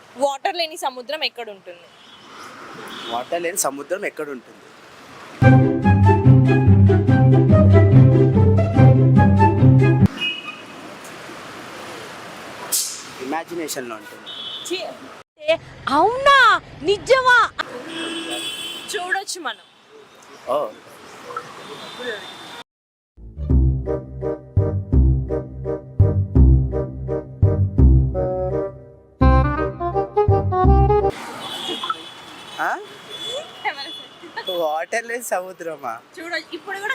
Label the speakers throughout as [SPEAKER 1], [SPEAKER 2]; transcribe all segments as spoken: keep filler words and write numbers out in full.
[SPEAKER 1] Water లేని సముద్రం ఎక్కడ ఉంటుంది?
[SPEAKER 2] వాటర్ లేని సముద్రం ఎక్కడ ఉంటుంది? ఇమాజినేషన్లో ఉంటుంది.
[SPEAKER 1] అవునా, నిజమా? చూడొచ్చు మనం.
[SPEAKER 2] ఓ వాటర్ లేని సముద్రమా?
[SPEAKER 1] చూడొచ్చు ఇప్పుడు కూడా.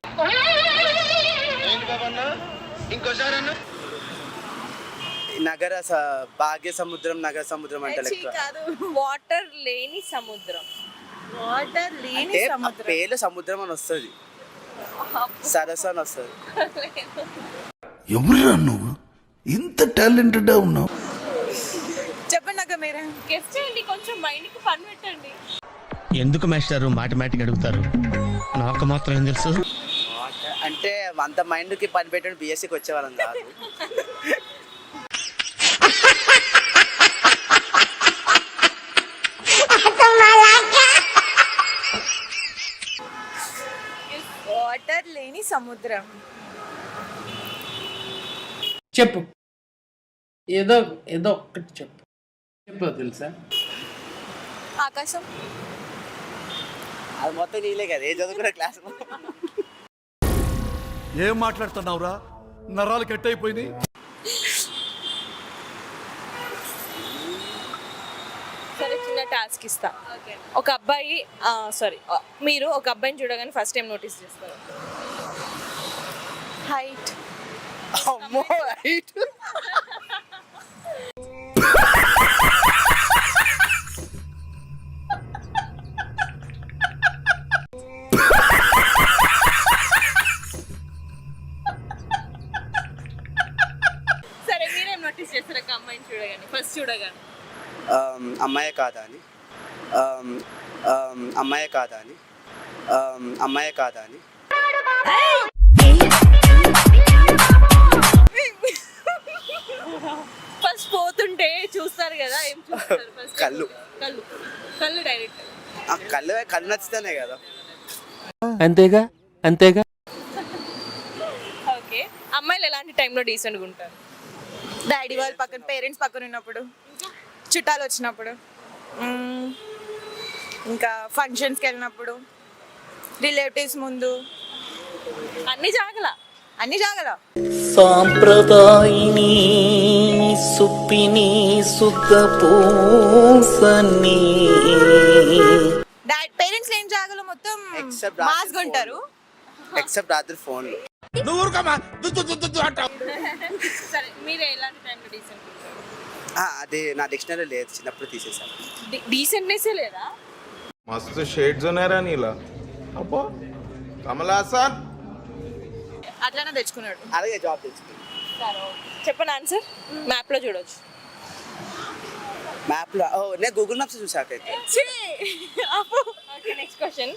[SPEAKER 2] నగర స- భాగ్య సముద్రం, నగర సముద్రం అంటే లెక్క.
[SPEAKER 1] కాదు, వాటర్ లేని సముద్రం. వాటర్ లేని
[SPEAKER 2] అంటే ఆ
[SPEAKER 1] సముద్రం.
[SPEAKER 2] పేర్లు సముద్రం అని వస్తుంది, సరస్సు అని వస్తుంది.
[SPEAKER 3] ఎవరురా నువ్వు ఇంత టాలెంటెడ్ ఉన్నావు?
[SPEAKER 1] చెప్పండి అక్క మీరే. గెస్ట్ చేయండి, కొంచెం మైండ్ కి పని పెట్టండి.
[SPEAKER 4] ఎందుకు మాస్టారు మాటమాటిక్ అడుగుతారు? నాకు మాత్రం ఏం తెలుసు.
[SPEAKER 2] వాటర్ అంటే అంత మైండ్కి పని పెట్టండి బిఎస్సికి వచ్చేవాళ్ళం కాదు.
[SPEAKER 1] వాటర్ లేని సముద్రం.
[SPEAKER 5] చెప్పు, ఏదో ఏదో ఒక్కటి చెప్పు. చెప్పు తెలుసా?
[SPEAKER 1] ఆకాశం.
[SPEAKER 2] అది మొత్తం నీలే కదా, ఏ చదువుకున్న క్లాస్.
[SPEAKER 3] ఏం మాట్లాడుతున్నావురా? నరాలు కట్ అయిపోయింది.
[SPEAKER 1] సరే, చిన్న టాస్క్ ఇస్తా. ఒక అబ్బాయి సారీ మీరు ఒక అబ్బాయిని చూడగానే ఫస్ట్ టైం నోటీస్ చేస్తారు. హైట్.
[SPEAKER 2] అమ్మో హైట్.
[SPEAKER 1] సరే, మీరేం నోటీస్ చేస్తారు ఒక అమ్మాయిని చూడగానే ఫస్ట్ చూడగానే?
[SPEAKER 2] అమ్మాయే కాదా అని, అమ్మాయే కాదా అని, అమ్మాయే కాదా అని.
[SPEAKER 1] ఫస్ట్ పోతుంటే చూస్తారు కదా, ఏం చూస్తారు ఫస్ట్?
[SPEAKER 2] కళ్ళు.
[SPEAKER 1] కళ్ళు కళ్ళు డైరెక్ట్.
[SPEAKER 2] ఆ కళ్ళు కళ్ళు నచ్చితేనే కదా.
[SPEAKER 4] అంతేగా అంతేగా.
[SPEAKER 1] ఓకే, అమ్మాయిలు ఎలాంటి టైంలో డీసెంట్గా ఉంటారు?
[SPEAKER 6] డాడీ వాళ్ళ పక్కన, పేరెంట్స్ పక్కన ఉన్నప్పుడు, చుట్టాలు వచ్చినప్పుడు, మ్మ్, ఇంకా ఫంక్షన్స్కి వెళ్ళినప్పుడు, రిలేటివ్స్ ముందు,
[SPEAKER 1] అన్ని జాగల
[SPEAKER 6] అన్ని జాగల.
[SPEAKER 7] సాంప్రదాయిని సుప్పిని శుద్ధ పూసని.
[SPEAKER 6] డాడీ పేరెంట్స్ లేని జాగలో మొత్తం
[SPEAKER 2] Except
[SPEAKER 6] మాస్గా ఉంటారు.
[SPEAKER 2] ఎక్సెప్ట్ రాత్రి ఫోన్లో.
[SPEAKER 1] సరే, మీరు ఎలాంటి టైంలో డీసెంట్ ఉంటారు?
[SPEAKER 2] అది నా డిక్షనరీ లేదు, చిన్నప్పుడు తీసేసాను.
[SPEAKER 1] డీసెంట్నెస్ లేదా?
[SPEAKER 8] मस्त शेड्स ఉన్నారా నీలా? అబ్బో కమలాసన్
[SPEAKER 6] అట్లానే తెచ్చుకున్నాడు.
[SPEAKER 2] అలాగే జాబ్ తెచ్చుకుంది.
[SPEAKER 1] చెప్పండి ఆన్సర్. మ్యాప్ లో చూడొచ్చు.
[SPEAKER 2] మ్యాప్లో ఓ నేను గూగుల్ మ్యాప్స్ చూసాకైతే.
[SPEAKER 1] Okay, next question.